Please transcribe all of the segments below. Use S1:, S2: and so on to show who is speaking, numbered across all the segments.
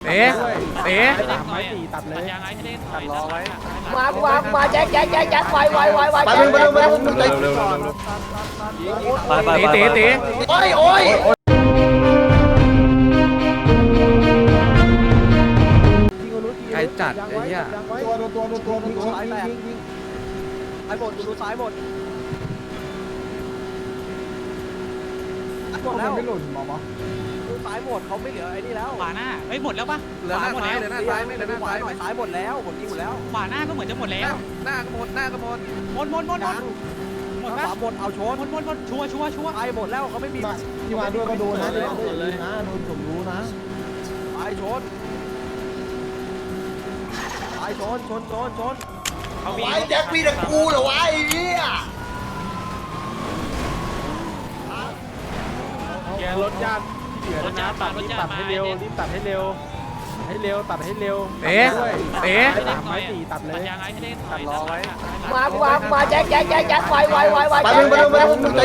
S1: เอ๊ะเอ๊ะ
S2: ไม้ตีตัดเลยตัดรอไว้
S3: มาแจ็คไว
S4: ไปมึงไปมึงไป
S1: ตี
S4: โอ้ย
S1: ใครจัดไอ้เหี้ย
S2: ตัวซ้ายแตกซ้ายหมดดูซ้ายหมดหมดแล้วไม่หล่นหมอดูซ้ายหมดเขาไม่เหลือไอ้นี่แล้ว
S5: ขวาหน้าเฮ้ยหมดแล้วปะ
S2: เหลือหน้าซ้ายเหลือหน้าซ้ายไม่เหลือหน้าซ้ายหน่อยซ้ายหมดแล้วผมยิงหมดแล้ว
S5: ขวาหน้าก็เหมือนจะหมดแล้ว
S2: หน้าก็หมดหน้าก็หมด
S5: หมดหมดปะ
S2: หมดเอาชน
S5: หมดชัวร์
S2: ไปหมดแล้วเขาไม่มี
S6: ที่มาด้วยก็โดนนะที่มาด้วยเลยนะโดนผมรู้นะ
S2: ไปชนไปชน
S5: เขามี
S4: ไอ้แจ็คมีแต่กูเหรอวะไอ้เหี้ย
S6: แกรถญาติที่เหลือนะตัดให้เร็วรีบตัดให้เร็วตัดให้เร็ว
S1: เอ๊ะเอ๊ะ
S6: ไม้ตีตัดเลย
S5: ยางไอ้ให้ได้
S2: ตัดรอไว้
S3: มาแจ็คไว
S4: ไปมึงไปมึงไป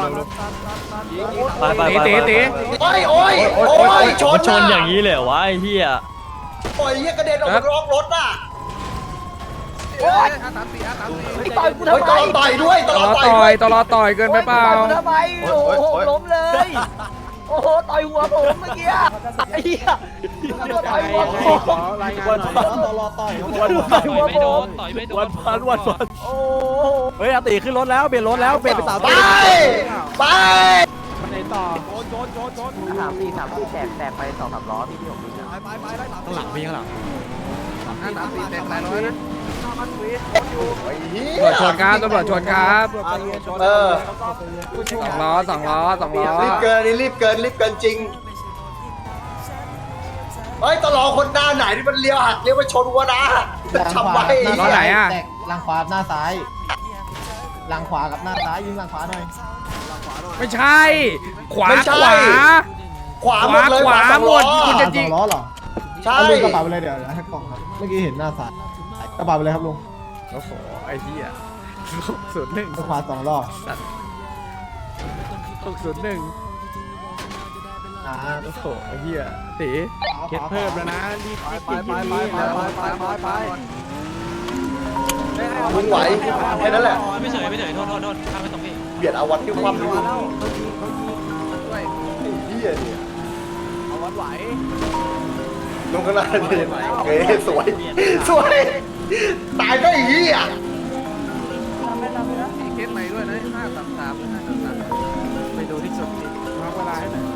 S1: ตี
S4: โอ้ยชนอย่างนี้
S7: วะไอ้เหี้ย
S4: โอ้ยเหี้ยกระเด็นออกมาล็อกรถอ่ะ
S3: ต่อยกู
S4: เฮ้ย
S3: ทำไม
S4: ต้องต่อยด้วยต้อง
S1: ตลอ
S4: ต่อยด้วย
S1: ต่อยเกินไปเปล่า
S3: ทำไมโอ้โหล้มเลยโอ้โหต่อยหัวผมเมื่อกี้ไอ้เหี้ยต่อยหัวผม
S6: รายงานหน่อยรอต่อย
S3: ต่อยหัวผม
S5: ต่อยไม่โดน
S7: วัน
S3: โอ้
S2: เฮ้ยอาตีขึ้นรถแล้วเปลี่ยนรถแล้วเปลี่ยนเป็นสาว
S4: ไปไป
S6: มันไหนต่อ
S2: ชน
S3: 3-4แตกไป2-3ล้อพี่ผม
S2: ไปได้
S1: ข้างหลังพี่ข้างหลัง
S2: 3-4แตกหลายร้อยนะ
S4: ไอ้เหี้
S1: ตำรวจชนครับตำรวจชนครับ
S4: เออ
S1: สองล้อ
S4: รีบเกินนี่รีบเกินจริงเฮ้ยตลอคนหน้าไหนที่มันเลี้ยวหักเลี้ยวไปชนวัวนะทำไว้
S1: ล้อไหนอ่ะ
S6: แตกหลังขวาหน้าซ้ายหลังขวากับหน้าซ้ายยิงหลังขวาหน่อย
S1: ไม่ใช่ ขวา
S4: ขวาหมดเลย
S1: ขวาหมด
S4: ขวา
S1: คุณจะ
S6: สองล้อเหรอ
S4: ใช่
S6: เอาลุงกระเป๋าไปเลยเดี๋ยวให้กล่องครับเมื่อกี้เห็นหน้าซ้ายกระเป๋าไปเลยครับลุง
S1: โอ้โหไอ้เหี้ย601
S6: ขวาสองล้อ
S1: 601
S6: อ่า
S1: โอ้โหไอ้เหี้ยตี
S6: เคสเพิ่มแล้วนะรีบ
S2: ไป
S4: มึงไหวแค่นั้นแหละ
S5: ไม่เฉยโทษข้ามไปตรงนี้
S4: เบียดเอาวัดที่ความดูเหี้ยเนี่ย
S2: เอาวัดไหว
S4: ลงข้างหน้าดิเฮ้ยสวยตายก็ไอ้เหี้ย
S2: มีเคสใหม่ด้วยนะ533ไปดูที่สุดดิ
S6: มาเวลาให้หน่อย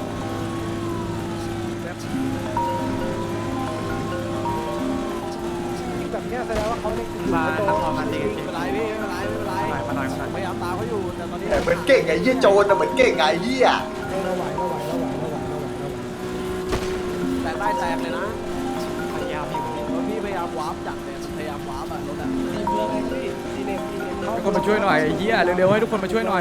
S6: แบบนี้แสดงว่าเขาเล่น
S2: มานักมองกันดีไม่เป็นไรพี่ไม่เป็นไรพยายามตามเขาอยู่แต่ตอนนี้
S4: เหมือนเก่งไอ้เหี้ยโจรนะเหมือนเก่งไอ้เหี้ย
S6: เราไหว
S2: แตกได้แตกเลยนะพยายามอยู่รถพี่พยายามวาร์ปจัดเลยพยายามวาร์ปอะรถอะ
S1: ทุกคนมาช่วยหน่อยไอ้เหี้ยเร็วๆให้ทุกคนมาช่วยหน่อย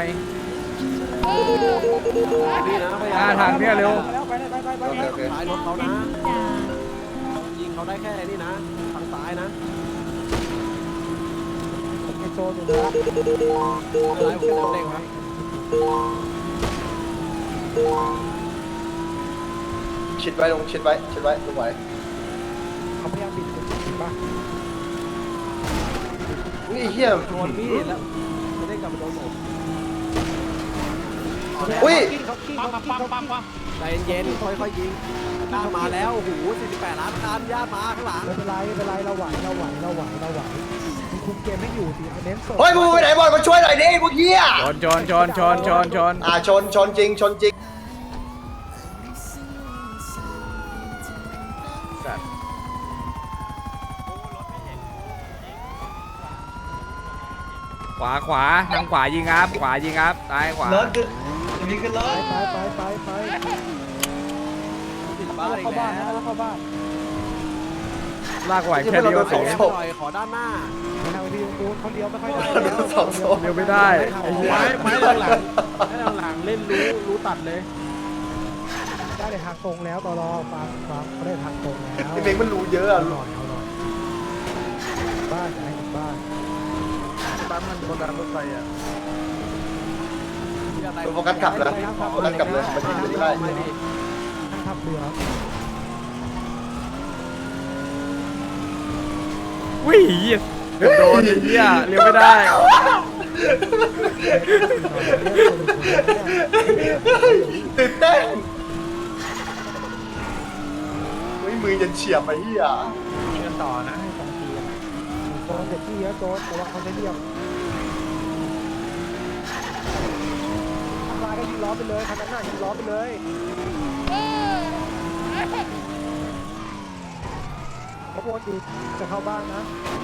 S2: พี่นะพยายาม
S1: ทางเนี่ยเร็ว
S2: ท้ายรถเขานะยิงเขาได้แค่นี้นะทางซ้ายนะ
S6: ไอโซนอยู่นะ
S2: อะไรผมจะเด้งครับ
S4: ชิดไว้ลงชิดไว้ลงไว้
S6: เขาพยายามบิดป่ะ
S4: นี่เหี้ย
S2: โดนพี่แล้วจะได้กลับมาโดนผม
S4: อุ้ย
S5: ปั๊ม
S2: ใจเย็นๆค่อยๆยิงญาติมาแล้วโอ้โห48ล้านคันญาติมาข้างหลัง
S6: ไม่เป็นไรเราไหวคุมเกมไม่อยู่สิเน้นสด
S4: เฮ้ยมึงไปไหนบอลมาช่วยหน่อยดิพวกเหี้ย
S1: ชน
S4: ชนจริง
S1: ขวาทางขวายิงครับซ้ายขวา
S6: ไป
S2: ติดบ้านอี
S6: เข้าก บ้าน
S2: แล้ว
S6: แล้วเข้าบ้าน
S1: ลากไหวแค่เดียว
S4: สอง
S2: หน่อยขอด้านหน้า
S6: ทางที่ดูเขาเลี้ยวไม่ค่อยได้
S4: สองโซน
S1: เดียวไม่ได้ไอ้เหี้ย
S6: ไม้หลังเล่นรู้ตัดเลยได้เลยทางตรงแล้วตลอฟังเขาได้ทางตรงแล้ว
S4: ไอ้เมงมันรู้เยอะอะ
S6: เอาหน่อยบ้านบ้าน
S2: บ้านมันบนรางรถไฟอ่ะ
S4: โฟกัสกลับเลยมันยิงไม่ได้
S6: ทางทับเรือ
S1: อุ้ยเหี้ยเกือบโดนไอ้เหี้ยเลี้ยวไม่ได้
S4: ตื่นเต้นไม่มือจะเฉียบไอ้เหี้ย
S6: ยิงกันต่อนะให้2 ทีโดนเด็กที่เยอะโดนแต่ว่าเขาจะเรียบทำลายก็ยิงล้อไปเลยคันนั้นน่ะยิงล้อไปเลยเขาบอกดีจะเข้าบ้านนะ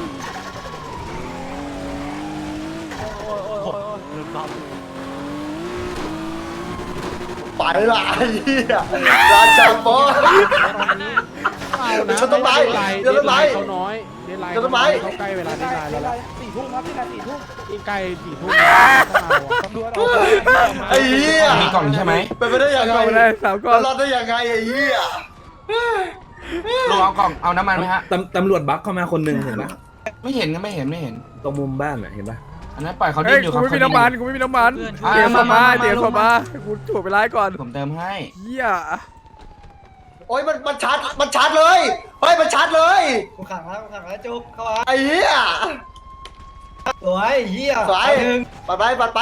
S4: ไปละไอ้เหี้ยราชาบอส เดี๋ยวต้นไม้เดี๋ยวต้นไม้
S6: เขาน้อยเดนไลน์
S4: เดี๋ยวต้นไม้
S6: เขาใกล้เวลาเดนไลน์แล้ว
S3: 4 ทุ่มครับที่ไหน4 ทุ่ม
S6: ยิ่งใกล้4 ทุ่มตำรวจออก
S4: ไอ้เหี้ย
S7: มีกล่องใช่ไหม
S4: เป็นไปได้ยังไง
S1: เข้าไปได้สามก้อน
S4: รอดได้ยังไงไอ้เหี้ย
S7: ลุงเอากล่องเอาน้ำมันไหมฮะ
S8: ตำรวจบักเข้ามาคนหนึ่งเห็นปะ
S7: ไม่เห็นก็ไม่เห็นไม่เห็น
S8: ตรงมุมบ้านอ่ะเห็นปะ
S7: อันนั้นปล่อยเขา
S1: เฮ้
S7: ดิ้
S1: ย
S7: นอยู่ค
S1: กู
S7: รับ
S1: ไม่มีน้ำมันกูไม่มีน้ำมันเดี๋ยวเข้ามาเดี๋ยวเข้ามากูถูกไปไล่ก่อน
S7: ผมเติมให้
S1: เหี้ย
S4: โอ้ยมันชาร์จเลยเฮ้ยมันชาร์จเลย
S3: กูขังแล้วจุกเข้ามา
S4: ไอ้เหี้ย
S3: สวยเหี้ย
S4: สายปัดไป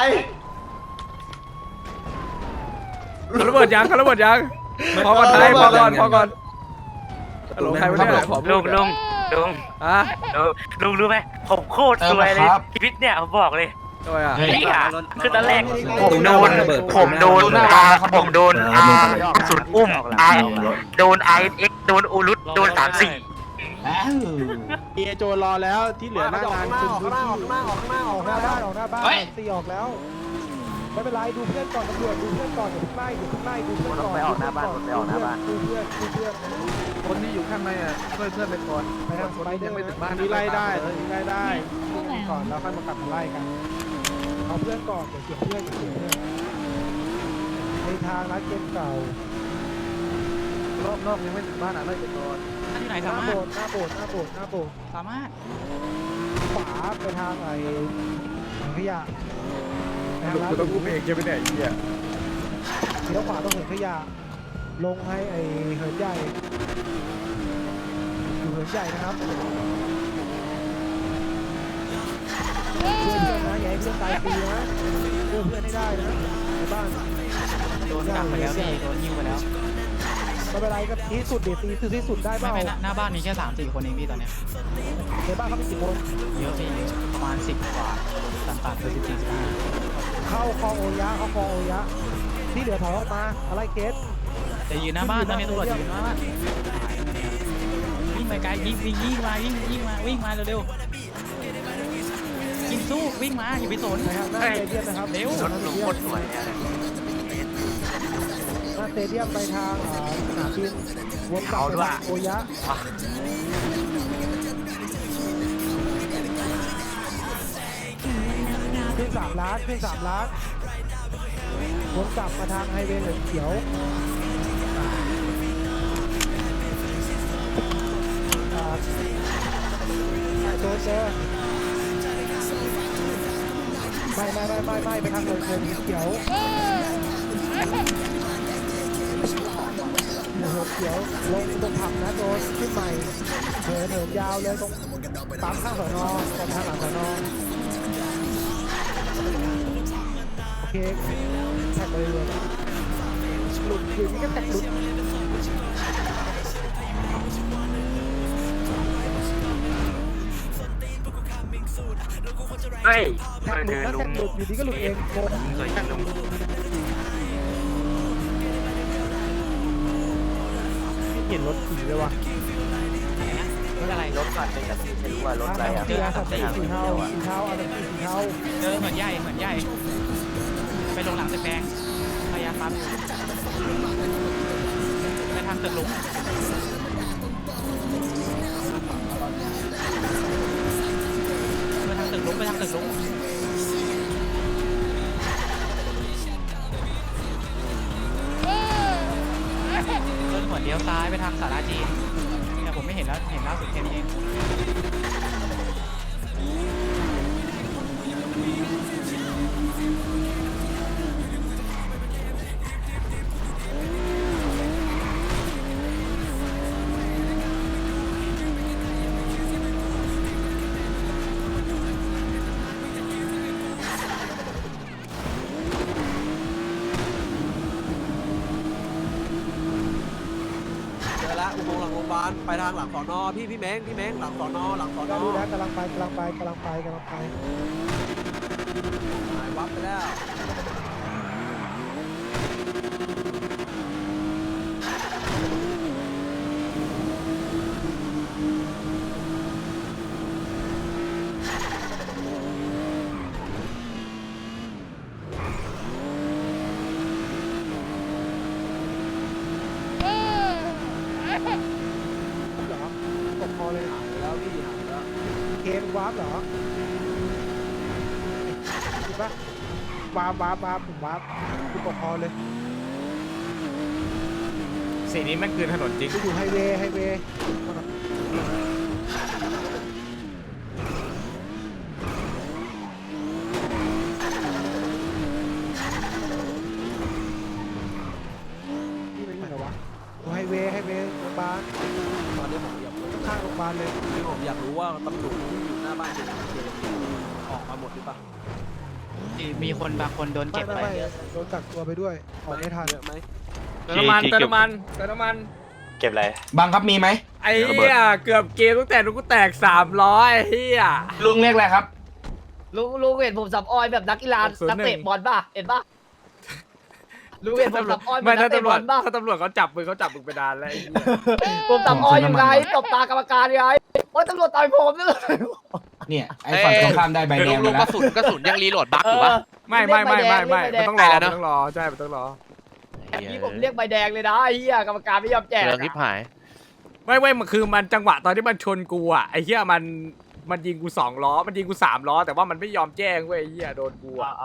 S1: เขาระเบิดยังเขาระเบิดยังพอก่อนไทยพอก่อนฮัลโหลใครไม่ได้ขอพู
S5: ลุ
S1: ด
S5: งลุงลุง
S1: อ่ะ
S5: ลุงรู้ไหมผมโคตรสวยเลยชีวิตเนี่ยผมบอกเลย
S1: ทำไมอ่ะ
S7: เฮ้ย
S5: นี่อ่ะคือตอนแรก
S8: ตรงหน้าบ้านระเบิด
S5: ผมโดนผมโดนสุดอุ้มโดนIX โดนอูรุตโดน34
S7: อ้าว
S6: เอโจรอแล้วที่เหลือหน้างานคือออกหน้าบ้านออกหน้าบ้านตีออกแล้วไม่เป็นไรดูเพื่อนก่อนตำรวจดูเพื่อนก่อนอย่าเพิ่งไล่ดูเพื่อนก่อนไปออกหน้าบ้านดูเพื่อน
S2: คนที่อยู่ข้างในอ่ะช่วยเพื่อนไปก่อน
S6: ไปทางสไปเดอร์นี่ไล่ได้ก่อนแล้วค่อยมากลับมาไล่กันเอาเพื่อนก่อนอย่าเสียเพื่อนในทางร้านเกมเก่าร
S2: อบนอกยังไม่ถึงบ้านอ่ะไล่ไปก่อน
S5: ที่ไหน
S6: หน้า
S5: สามาร
S6: โบ
S5: ถ
S6: สถ์หน้าโบสถ์
S5: สามารถ
S6: ขวาไปทางไอ้ถังขยะไปทางร้าน
S1: กูต้องกูเองจะไปไหนเหี้ย
S6: เลี้ยวขวาต้องเหินขยะลงให้ไอ้เหินใหญ่อยู่เหินใหญ่นะครับเพื่อนนะอย่าให้เพื่อนตายฟรีนะเพื่อนให้ได้นะในบ้าน
S5: โดนกักไปแล้วพี่โดนหิ้วไปแล้ว
S6: ไม่เป็นไรก็ที่สุดเดี๋ยวตีคือที่สุดได้เป
S5: ไม่
S6: ล่า
S5: ไม่หน้าบ้านมีแค่3-4 คนเองพี่ตอนเนี้ย
S6: ในบ้านเขาเป็นกี่คน
S5: เยอะพี่เยอะประมาณ10 กว่าต่างๆคือ14-15
S6: เข้าคลองโอยะที่เหลือถอยออกมาอะไรเคส
S5: จะยืนหน้าบ้านตอนนี้ตำรวจยืนหน้าบ้านวิ่งไปไกลยิงมาวิ่งมาเร็วยิงสู้วิ่งมาอย่าไปสน
S6: นะครับหน้าสเตเดียมนะครับ
S5: เร็ว
S6: หน้าสเตเดียมไปทางสนามบินวนกลับไปทางโอยะขึ้น3 ล้านวนกลับมาทางไฮเวย์เหลืองเขียวโดนเจอไม่ไปทางเหลืองเขียวลงตรงผับนะโดนขึ้นใหม่เหินยาวเลยตรงปั๊มข้างสนตรงทางหลังสนโอเคแท็กเลยหลุดอยู่นี่ก็แท็กหลุด
S5: เฮ้ย
S6: แท็กหลุดนะแท็กหลุดอยู่ดีก็หลุดเองโกง
S5: สวยจังลุง
S6: เห็นรถขี่เลยว่ะ
S5: รถอะไรรถ
S6: ไม่รู้ว่ารถอะไรอ่ะสีเทาอะไรสีเทา
S5: เจอเหมือนใหญ่ไปลงหลังตึกแดงพยายามปั๊มไปทางตึกลุงไปทางตึกลุงเดินหัวเลี้ยวซ้ายไปทางศาลาจีนแต่ผมไม่เห็นแล้วเห็นล่าสุดแค่นี้เอง
S2: บาลไปทางหลังสอนอพี่เม้งหลังสอนอ
S6: ก็รู้แล้วกำลังไป
S2: หายวับไปแล้ว
S6: เหรอตกคอเลย
S2: หายไปแล้วพี่หายไปแล้ว
S6: เกมวาร์ปเหรอถูกปะวาร์ปผมวาร์ปกูตกคอเลย
S1: สีนี้แม่งคือถนนจริง
S6: กูอยู่ไฮเวย์นี่เป็นไงวะอยู่ไฮเวย์โรงพยาบาล
S2: ตอนนี้ผมอยากรู้
S6: ข้างโรงพยาบาลเลย
S2: ผมอยากรู้ว่าตำรวจที่อยู่หน้าบ้านเจออกมาหมดหรือเปล่า
S3: มีคนบางคนโดนเก็บไป
S6: ไม่โดนกักตัวไปด้วยออกไม่ทัน
S2: เยอะไหม
S1: เติมน้ำมัน
S9: เก็บอะไร
S7: บังครับมีไหม
S1: ไอ้เหี้ยเกือบเกมตั้งแต่กูแตก300ไอ้เหี้ย
S7: ลุงเรียกอะไรครับ
S3: ลุงเห็นผมสับออยแบบนักกีฬา
S1: 601
S3: นักเตะบอลป่ะเห็นป่ะลุงเห็นผมสับออยแบ
S1: ไม่
S3: บนั
S1: ถ้าก
S3: เตะ
S1: ตำร
S3: บ
S1: ว
S3: อ
S1: จ
S3: ลป่ะ
S1: ถ้าตำรวจเขาจับมึงไปนานแล้วไอ้เหี้ย
S3: ผมสับออยอยู่ไงตบตากรรมการไงโอ้ยตำรวจต่อยผมนี่เลย
S7: เนี่ยไอ้ฝั่งตรงข้ามได้ใบแดงไปแล้ว
S9: กระสุนยังรีโหลดบั๊กอยู่ปะ
S1: ไม่มันต้องรอมันต้องรอใช่มันต้องรอ
S3: นี่ผมเรียกใบแดงเลยนะไอ้เหี้ยกรรมการไม่ยอมแจก
S9: เรื่องทิพหาย
S1: ไม่มันคือมันจังหวะตอนที่มันชนกูอ่ะไอ้เหี้ยมันยิงกู2 ล้อมันยิงกู3 ล้อแต่ว่ามันไม่ยอมแจ้งเว้ยไอ้เหี้ยโดนกูอ่ะ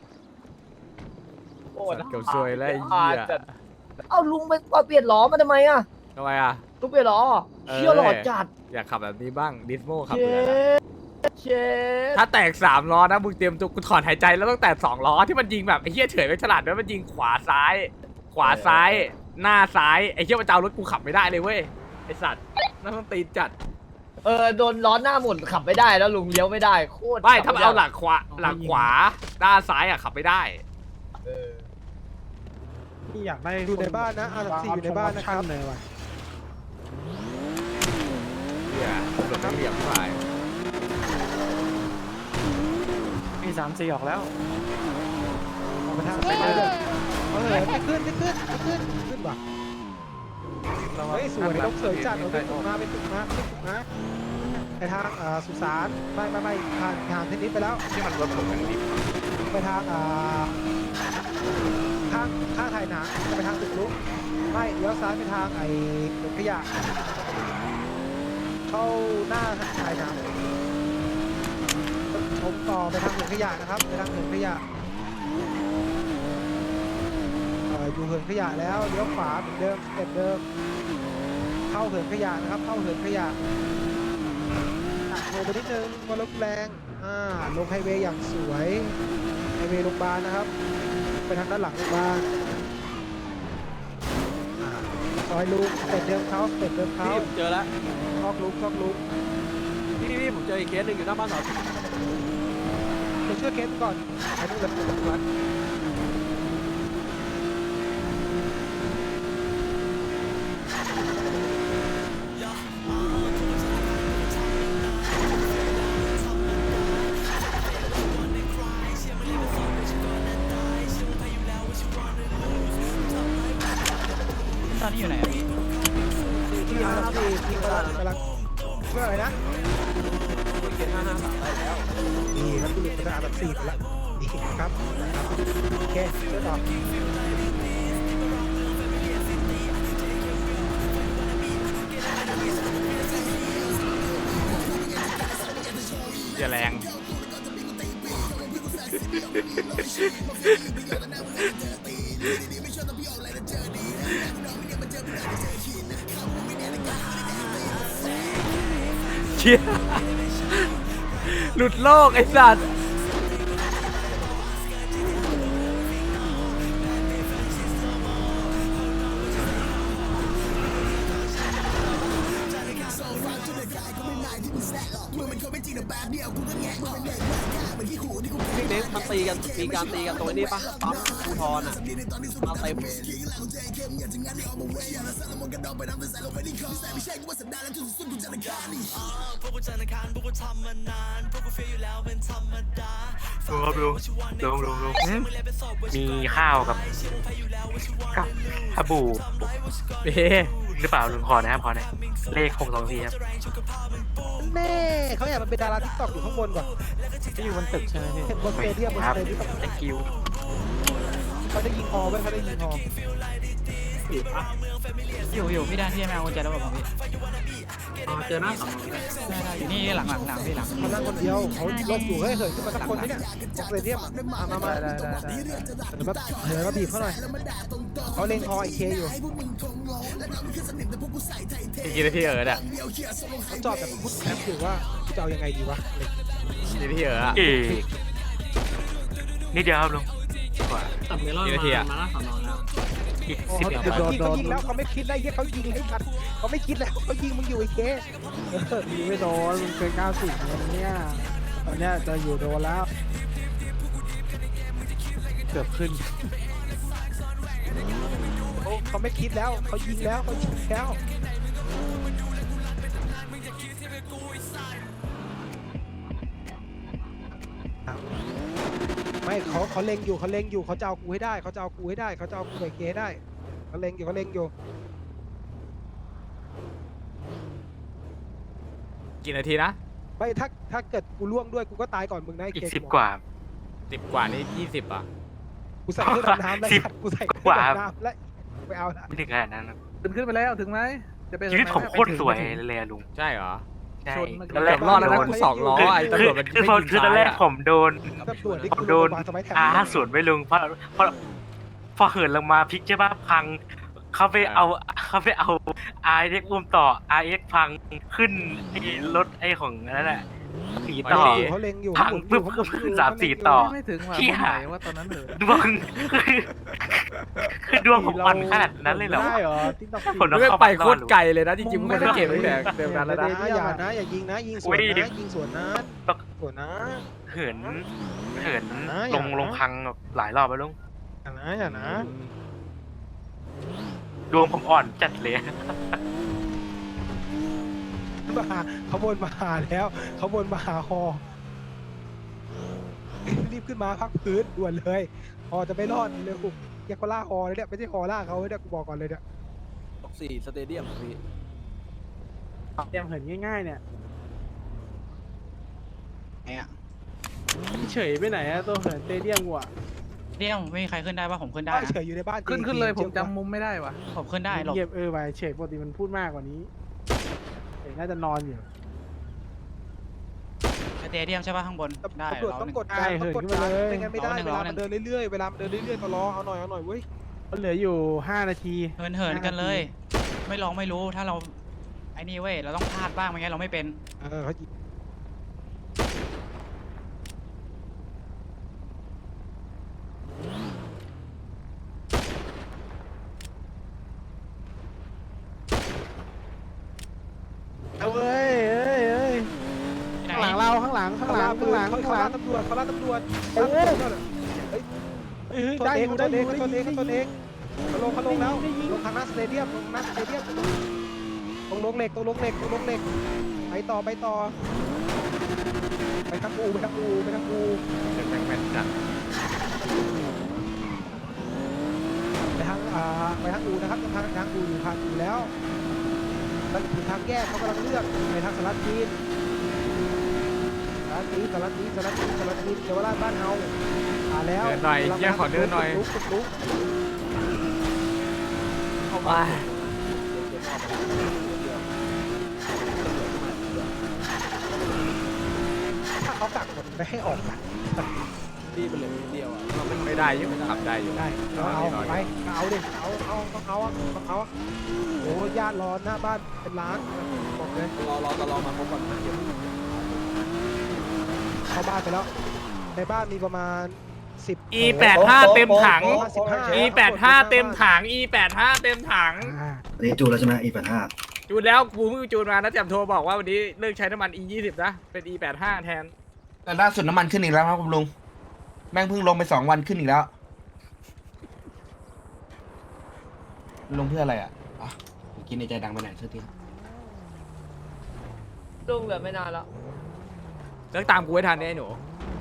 S3: โอ้
S1: สัตว์เกือบซวยแล้วไอ้เหี้ย
S3: เอ้าลุงไปเปลี่ยนล้อมาทำไมอ่ะ
S1: ทำไมอ่ะ
S3: ลุงเปลี่ยนล้อเชี่ยวหลอดจัด
S1: อยากขับแบบนี้บ้างดิสโมขับ
S3: เช
S1: เลยนะ
S3: เชฟ
S1: ถ้าแตก3 ล้อนะมึงเตรียมตัวกูถอนหายใจแล้วต้องแตก2 ล้อที่มันยิงแบบไอ้เหี้ยเฉยไม่ฉลาดด้วยมันยิงขวาซ้าย หน้าซ้ายไอ้เหี้ยมันจะเอารถกูขับไม่ได้เลยเว้ยไอ้สัตว์น่าต้องตีนจัด
S3: โดนล้อหน้าหมุนขับไม่ได้แล้วลุงเลี้ยวไม่ได้โคตร
S1: ไม่ถ้ามันเอาหลังขวาด้านซ้ายอ่ะขับไม่ได้
S6: นี่อยากได้อยู่ในบ้านนะอาร์4อยู่ในบ้านนะครับเลยว่ะ
S1: เหี้ยตำรวจไม่เหลี่ยมฝ่าย
S6: มี3-4ออกแล้วออกไปทางไปเลยไม่ขึ้นว่ะเฮ้ยสวยต้องเสริมจัดเราเป็นตุกมาไปทางสุสานไม่ผ่านเทนนิสไปแล้ว
S1: ที่มันรถผมมันดิบ
S6: ไปทางข้างไทยหนังจะไปทางตึกลุกไม่เลี้ยวซ้ายไปทางไอ้รถขยะเข้าหน้าไทยหนังชมต่อไปทางเหินขยะนะครับไปทางเหินขยะอยู่เหินขยะแล้วเลี้ยวขวาเหมือนเดิมสเต็ปเดิมเข้าเหินขยะนะครับเข้าเหินขยะโผล่ไปนิดนึงว่ารถแรงลงไฮเวย์อย่างสวยไฮเวย์โรงพยาบาลนะครับไปทางด้านหลังโรงพยาบาลซอยลุงสเต็ปเดิมเขา
S2: พี่ผมเจอแล้ว
S6: ซอกลุง
S2: พี่ผมเจออีกเคสหนึ่งอยู่หน้าบ้านสอน
S6: ไปช่วยเคสก่อนไอ้นู่นเลยผมวัด
S3: ตอนนี้อยู่ไหน
S6: ที่กำลังช่วยอะไรนะ
S2: เคส553ได้แล้ว
S6: นี่แล้วตู้เป็นอาแบบ4ไปแล้วนี่ครับโอเคช่วยต่อ
S1: อย่าแรงเชี่ยหลุดโลกไอ้สัตว์
S2: พี่เน้นมันตีกันมีการตีกันตรงนี้ปะปั๊มภูทรอ่ะมาเต็ม
S5: มีข้าวกับสบู่
S1: เอ๊ะ
S5: หรือเปล่าลุงขอนะครับขอหน่อยเลข624ครับ
S6: แม่เขาอยากมันเป็นดาราทิกตอกอยู่ข้างบนก่อนที่อยู่บนตึกใช่ไหมพี่บนสเตเดียมบน
S5: ค
S6: ส
S5: รับ
S6: เตเดียม
S5: thank you
S6: เขาได้ยิงฮอไว้เขาได้ยิงฮอ
S3: อยู่พี่ด้านที่แมวกุญแจแล้วผมพี่
S9: เจอหน้าสอง
S3: อยู่นี่หลังพี่หลัง
S6: เขานั่งคนเดียวเขาลบอยู่เฮ้ยเหินขึ้นมาสักคนนี่เนี่ยบนสเตเดียมมาเดี๋ยวมาบีบเขาหน่อยเขาเล็งฮอไอเคอยู่
S1: อีกกี่นาทีอะ
S6: เขาจอดแบบพุทธแคปอยู่ว่าจะเอายังไงดีวะ
S1: กี่นาทีอะ
S5: เอกนิดเดียวครับลุงกว่า
S9: ตัดเมลอน
S1: กี่นาทีอะ
S9: มาหน้าสอนอแล้ว
S5: อีก
S6: เขา
S5: 10
S6: ยิ
S5: เดียวครับ
S6: งแล้วเขาไม่คิดได้เหี้ยเขายิงให้กันเขาไม่คิดแล้วเขายิงมึงอยู่ไอเคยิงไม่โดนมึงเป็น90เนี่ยตอนเนี้ยจะอยู่โดนแล้วเกือบขึ้นเขาไม่คิดแล้วเขายิงแล้วเขายิงแล้วไม่เขาเล็งอยู่เขาจะเอากูให้ได้เขาจะเอากูให้ได้เขาจะเอากูไปเกให้ได้เขาเล็งอยู่
S1: กี่นาทีนะ
S6: ไม่ถ้าเกิดกูล่วงด้วยกูก็ตายก่อนมึงนะไอ้
S5: อีก
S6: เก
S5: 10 กว่า
S1: 10 กว่านี่20อ่ะ
S6: กูใส่เครื่องดำน้ำแล้ว
S5: 10
S6: กูใส่เครื่อง
S5: กว่า
S6: ดำน้ำแล้วไปเอาละ
S5: ไม่ถึงขนาดนั้นครับ
S6: ขึ้นไปแล้วถึงไหมจะเป็น
S5: ชีวิตผมโคตรสวยเลยอะลุง
S1: ใช่เหรอ
S5: ใช่
S1: เกือบรอดแล้วนะกู2 ล้อไอ้ตำรวจมัน
S5: คือตอนแรกผมโดน
S6: ตำรวจที่
S5: ผม
S6: กู
S5: โดน
S6: โรงพยาบาลสมัยแถว
S5: สวนไปลุงพอเหินลงมาพลิกใช่ปะพังเขาไปเอาRX อุ้มต่อRX พังขึ้นไอ้รถไอ้ของนั่นแหละสีต่อ
S6: เขาเล็งอยู่
S5: พังปุ๊บขึ้น3-4 ต่อ
S6: ไม่ถึง
S5: เชี่ย
S6: ว่าตอนนั้นเหรอ
S5: ดวงคือดวงผมอ่อนขนาดนั้นเลยเหรอ
S6: ได้เหรอติ๊กต็อก
S5: ผมต้อง
S1: ไม่
S5: เข้า
S1: ไป
S5: ไป
S1: โคตรไกลเลยนะจริงๆมึงควรจะเก็บตั้งแต่เดิมนั้นแล้วนะ
S6: อย่ายิงนะยิงสวนนะยิงสวนนะสวนนะ
S5: เหิน
S6: อย่านะ
S5: ลงพังแบบหลายรอบแล้วลุง
S6: อย่านะ
S5: ดวงผมอ่อนจัดเลย
S6: มาเขาบนมาหาแล้วเขาบนมาหาฮอรีบขึ้นมาพักพื้นด่วนเลยฮอจะไม่รอดเร็วแกเขาล่าฮอเลยเนี่ยไม่ใช่ฮอล่าเขาเนี่ยกูบอกก่อนเลยเนี่ย
S2: 4สเตเดียมพี่
S6: เตรียมเหินง่ายๆเนี่ยเฉยไปไหนอะตัวเหินสเตเดียมกูอะ
S3: เดี่ยวไม่มีใครขึ้นได้ป่ะผมขึ้นได้
S6: เฉยอยู่ในบ้าน
S2: ขึ้นเลยผมจำมุมไม่ได้วะ
S3: ผมขึ้นได้หรอก
S6: เงียบไปเฉยปกติมันพูดมากกว่านี้น่าจะนอนอยู่
S3: สเตเดียมใช่ป่ะข้างบนได้
S6: ตำรวจ
S3: เรา
S6: ต้องกดการต้องกดการไม่งั้นไม่ได้เวลามันเดินเรื่อยๆเวลามันเดินเรื่อยๆก็รอเอาหน่อยเว้ยมันเหลืออยู่5 นาที
S3: เหินกันเลย ไม่ลองไม่รู้ถ้าเราไอ้นี่เว้ยเราต้องพลาดบ้างไม่งั้นเราไม่เป็น
S6: เขายิงเอาเว้ยข้างหลังเราข้างหลังเขาล่าตำรวจเขาล่าตำรวจโอ้ได้อยู่ตัวเองเขาลงแล้วลงทางหน้าสเตเดียมตรงลงเหล็กไปต่อไปทางอูไปทางอู
S1: แม่นจัด
S6: ไปทางอูนะครับทางอูอยู่ทางอูแล้วถึงทางแยกเขากำลังเลือกไปทางสลัดจีนเยาวราชบ้านเฮาแล้ว
S1: เดินหน่อยแยกขอเดินหน่อย
S6: ลุก
S1: เข้าไป
S6: ถ้าเขากักหมดไม่ให้ออกนะ
S2: พี่เป็นเลยเดียวอ่ะ
S1: ไม่ได้ยังขับได้อยู่
S6: ได้เอาไปเอาดิเอาโอ้ญาติรอหน้าบ้านเป็นล้านบอกเลย
S2: รอตลอมาพบก่อนนะ
S6: เข้าบ้านไปแล้วในบ้านมีประมาณ10
S1: E85 เต็มถัง E85 เต็มถัง E85 เต็มถัง
S4: อันนี้จูแล้วใช่ไหมอีก8-5
S1: จจูนแล้วกูเพิ่งจูนมานะแจมโทรบอกว่าวันนี้เลิกใช้น้ำมัน E20 นะเป็น E85 แทน
S7: แต่ล่าสุดน้ำมันขึ้นอีกแล้วครับคุณลุงแม่งเพิ่งลงไป2 วันขึ้นอีกแล้วลงเพื่ออะไรอ่ะอ๋อเมื่อกี้ในใจดังไปไหนเท่าที
S3: ลุงเหลือไม่นานแล้ว
S1: เลิกตามกูให้ทันเนี่ยไอ้หนู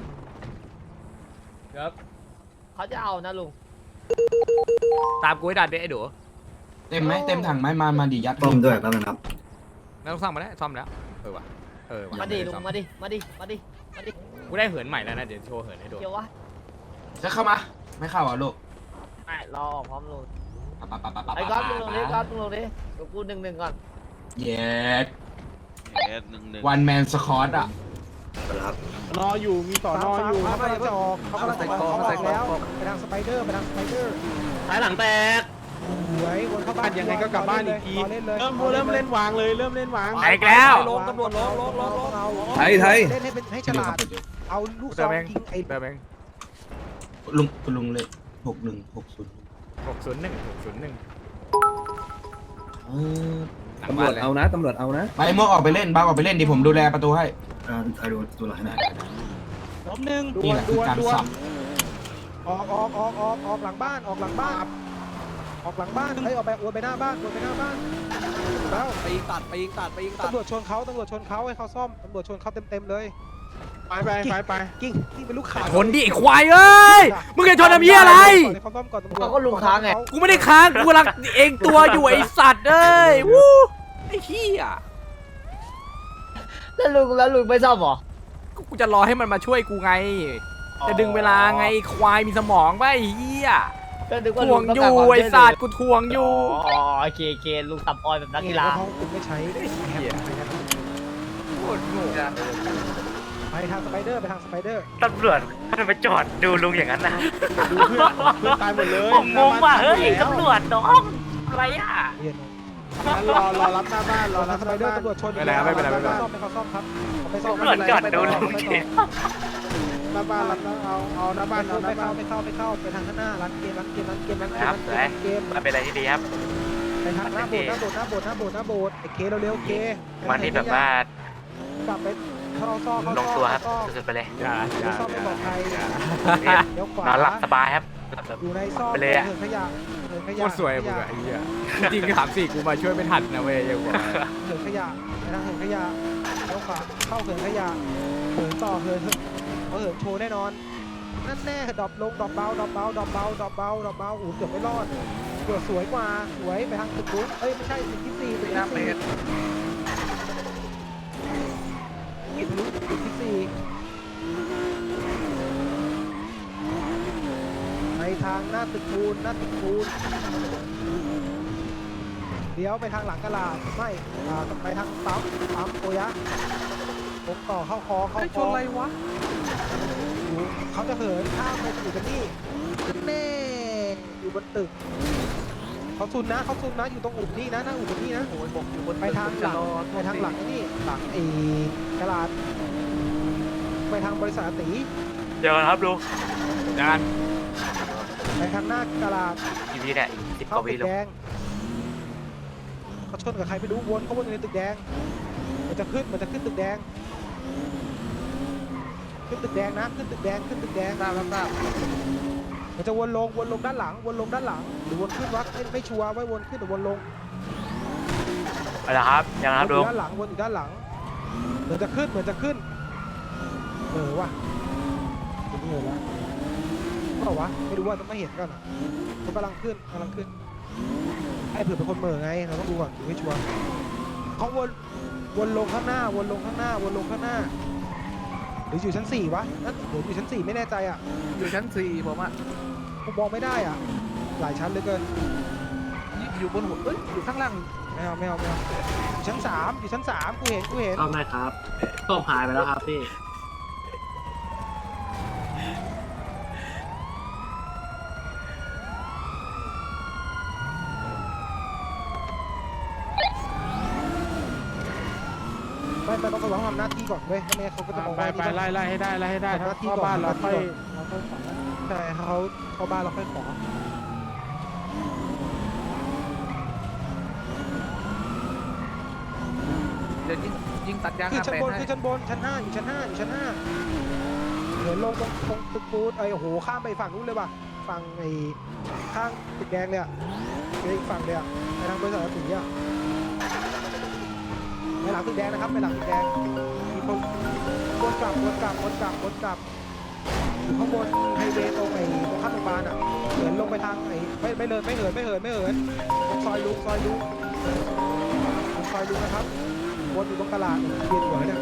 S1: ครับ
S3: เขาจะเอานะลุง
S1: ตามกูให้ทันเนี่ยไอ้หนู
S7: เต็มไหมเต็มถังไหมมาดิยัด
S4: ต้มด้วยแป๊บนึงครับ
S1: ไม่ต้องซ่อมมาแล้วซ่อมแล้วว่ะว่ะ
S3: มาดิลุงมาดิมาดิมาดิมาดิ
S1: กูได้เหินใหม่แล้วนะเดี๋ยวโชว์เหินให้ดู
S3: เดี๋ยววะ
S7: จะเข้ามาไม่เข้าอ่ะลูก
S3: ไม่รอออกพร้อมลุง
S7: ปะ
S3: ไอ้ก๊อฟลุงลงดิก๊อฟลุงลงดิเดี๋ยวกู1-1ก่อน
S7: เย็ดวันแมนสคอตอ่ะ
S6: รออยู่มีต่อนออยู่เขากำลังจะออกเขากำลังจะออกแล้วไปทางสไปเดอร์
S9: ท้ายหลังแตก
S6: สวยวนเข้าบ้านยังไงก็กลับบ้านอีกทีเริ่มเล่นวางเลยเริ่มเล่นวาง
S1: ไปอีกแล้ว
S3: ลงตำรวจลง
S8: ไทย
S6: เล่นให้ฉลาดเอาลูกซ
S1: เติ
S6: อ
S1: ม
S6: ง
S1: เอง
S6: ยิงไอ้
S1: เติมเอง
S7: ลุงเลย6160
S1: 601 หลัง
S8: ตำร
S1: บ้า
S8: วน จ
S1: เลย
S8: เอานะตำรวจเอานะ
S7: ไปม่วงออกไปเล่นบ้าออกไปเล่นดิผมดูแลประตูให้
S4: ใครดูตัวหลังให้ได้
S6: ล้มหนึ่ง
S7: นี่แหละคือการสับ
S6: ออกหลังบ้านออกหลังบ้านออกหลังบ้านเฮ้ยออกไปวนไปหน้าบ้านแล้ว
S2: ไปยิงตัดไปยิงตัดไปยิงตัด
S6: ตำรวจชนเขาให้เขาซ่อมตำรวจชนเขาเต็มเลยไปกิ้งเป็นลูกขา
S1: ชนดิไอ้ควายเอ้ยมึงจะชนทำเหี้ยอะไร
S6: เขาซ่อมก่อนตำรวจ
S3: เขาก็ลุงค้างไง
S1: กูไม่ได้ค้างกูกำลังเองตัวอยู่ไอ้สัตว์เอ้ยวู้ไอ้เหี้ย
S3: แล้วลุงไม่ซ่อมเหรอ
S1: กูจะรอให้มันมาช่วยกูไง จะดึงเวลาไงควายมีสมองป่ะไอ้เหี้ย
S3: ก็นึกว่า
S1: ท
S3: ลุ
S1: วง
S3: งต้
S1: อ
S3: องการ
S1: ยู่
S3: ความ
S1: ไอ้
S3: ช่วยเหลื
S1: สัตว์กูทวงอยู่
S3: อ๋อโอเคลุงสับออยแบบนักกีฬา
S6: เขาคุณไม่ใช้
S1: เหี้ยโคตรโง่
S6: ไปทางสไปเดอร์
S5: ตำรวจทำไมจอดดูลุงอย่างนั้นนะ
S6: ดูเพื่อนตายหมดเลย
S5: ผมงงว่ะเฮ้ยตำรวจน้องอะไรอ่ะ
S6: รอรับหน้าบ้านรอรับสไปเดอร์ตำรวจชนซ่อมให้เขาซ่อมครับไปซ่อม
S5: ตำรวจจอดดูลุงเฉย
S6: หน้าบ้านรับเอาหน้าบ้านไม่เข้าไปทางข้างหน้าร้านเกม
S5: มันเป็นอะไรที่ดีครับ
S6: ไปทางหน้าโบสถ์ไอ้เคเร็วๆเค
S5: วันนี้แบบว่าก
S6: ลับไปเข้าซ่อ
S5: ลงตัวครับสุดๆไปเลย
S1: อย่า
S6: ซ่อมไม่ปลอดภัย
S5: เนี่ย
S6: เดี๋ยวขวาน
S5: อนหลับสบายครับ
S6: อยู่ในซ่อม
S5: ไปเลยอะ
S6: เหินขยะ
S1: โคตรสวยมึงอะไอ้เหี้ยจริงๆ3-4กูมาช่วยไม่ทันนะเว้ยยังบอก
S6: เหินขยะไปทางเหินขยะเดี๋ยวขวาเข้าเหินขยะเหินต่อเหินโชว์แน่นอนนั่นแน่ดรอปลงดรอปเบาอู้เกือบไม่รอดเกือบสวยกว่าสวยไปทางตึกนู้นไม่ใช่ตึกที่4ตึกที่4กินทะลุตึกที่4ไปทางหน้าตึกปูนเดี๋ยวไปทางหลังกะลาไม่ไปทางปั๊มโอยะผมต่อเข้าคอชนอะไรวะเขาจะเหินข้ามไปอยู่กันนี่แน่อยู่บนตึกเขาซุนนะอยู่ตรงอุดนี่นะหน้าอุดนี่นะไปทางหลังนี่หลังไอ้กะลาไปทางบริษัทตี
S5: เดี๋ยวครับลุง
S1: จาน
S6: ไปทางหน้ากะลา
S5: อีพีเนี่ย10 ก
S6: เข้า
S5: ว่า
S6: ตึ
S5: วิ
S6: ก
S5: ลุง
S6: แดงเขาชนกับใครไม่รู้วนเขาวนในตึกแดงมันจะขึ้นตึกแดงขึ้นตึกแดงนะขึ้นตึกแดงทราบมันจะวนลงด้านหลังหรือวนขึ้นวะไม่ชัวร์ไว้วนขึ้นหรือวนลง
S5: ไปแล้วครับยังครับลุง
S6: ด้านหลังวนอยู่ด้านหลังเหมือนจะขึ้นว่ะเหนื่อยแล้วเปล่าวะไม่รู้ว่าต้องไม่เห็นกันมันกำลังขึ้นไอ้เผื่อเป็นคนเหม่อไงเราต้องดูก่อนไม่ชัวร์เขาวนลงข้างหน้าหรืออยู่ชั้น4วะนั่นหรืออยู่ชั้น4ไม่แน่ใจอ่ะ
S2: อยู่ชั้น4ผมอ่ะ
S6: ผมมองไม่ได้อ่ะหลายชั้นเหลือเกิน
S2: อยู่บนหัวอยู่ข้างล่าง
S6: ไม่เอาอยู่ชั้น3กูเห็น
S9: เข้าไหมครับต้มหายไปแล้วครับพี่
S6: ไม่ต้องทำหน้าที่ก่อนเว้ยไม่งั้นเขาก็จะมองว่าไปไล่ให้ได้ถ้าเข้าบ้านเราค่อยใช่เขาเข้าบ้านเราค่อยขอ
S1: จะยิงตัดยาง
S6: คือชั้นบน
S1: ให้
S6: คือชั้นบนชั้น5อยู่ชั้น5อยู่ชั้น5เหินลงตรงตึกปูนโอ้โหข้ามไปฝั่งนู้นเลยว่ะฝั่งไอ้ข้างตึกแดงเลยอ่ะไปอีกฝั่งเลยอ่ะไปทางบริษัทสีอ่ะไปหลังตึกแดงนะครับไปหลังตึกแดงมีคนวนกลับอยู่ข้างบนไฮเวย์ตรงไอ้ตรงข้ามโรงพยาบาลอ่ะเหินลงไปทางไอ้ไม่เหินตรงซอยลุงนะครับวนอยู่ตรงตลาดเวียนหัวเนี่ย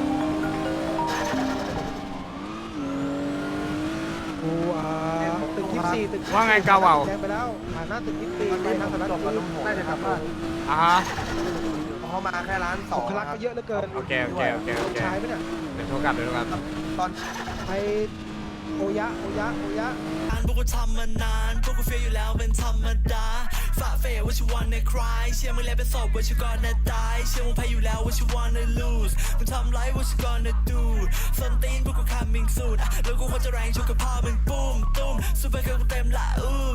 S6: กูตึก24ตึก
S1: ว่าไงกาวาว
S6: แดงไปแล้วผ่านหน้าตึก24ไปทางสารจบกับลุงผมน่าจะกลับบ้าน
S1: อ่าฮะ
S4: เขามาแค่ร้านสอง
S6: พลักก็เยอะเหลือเกิน
S1: โอเค
S6: ใช้ไหมเนี่ย
S1: เดี๋ยวโทรกลับ
S4: ตอน
S6: ไปโอยะ
S10: พวกกูทำมานานพวกกูเฟียอยู่แล้วเป็นธรรมดาฝ่าเฟยว่าชิวันในคลายเชื่อมึงแล้วเป็นศพว่าชิวก่อนนะตายเชื่อมึงแพ้อยู่แล้วว่าชิวันใน lose มึงทำไรว่าชิวันใน do ส้นตีนพวกกู coming soon แล้วกูควรจะแรงชกกับพ่อมึงปุ้มตุ้มซูเปอร์เกิร์ลกูเต็มละ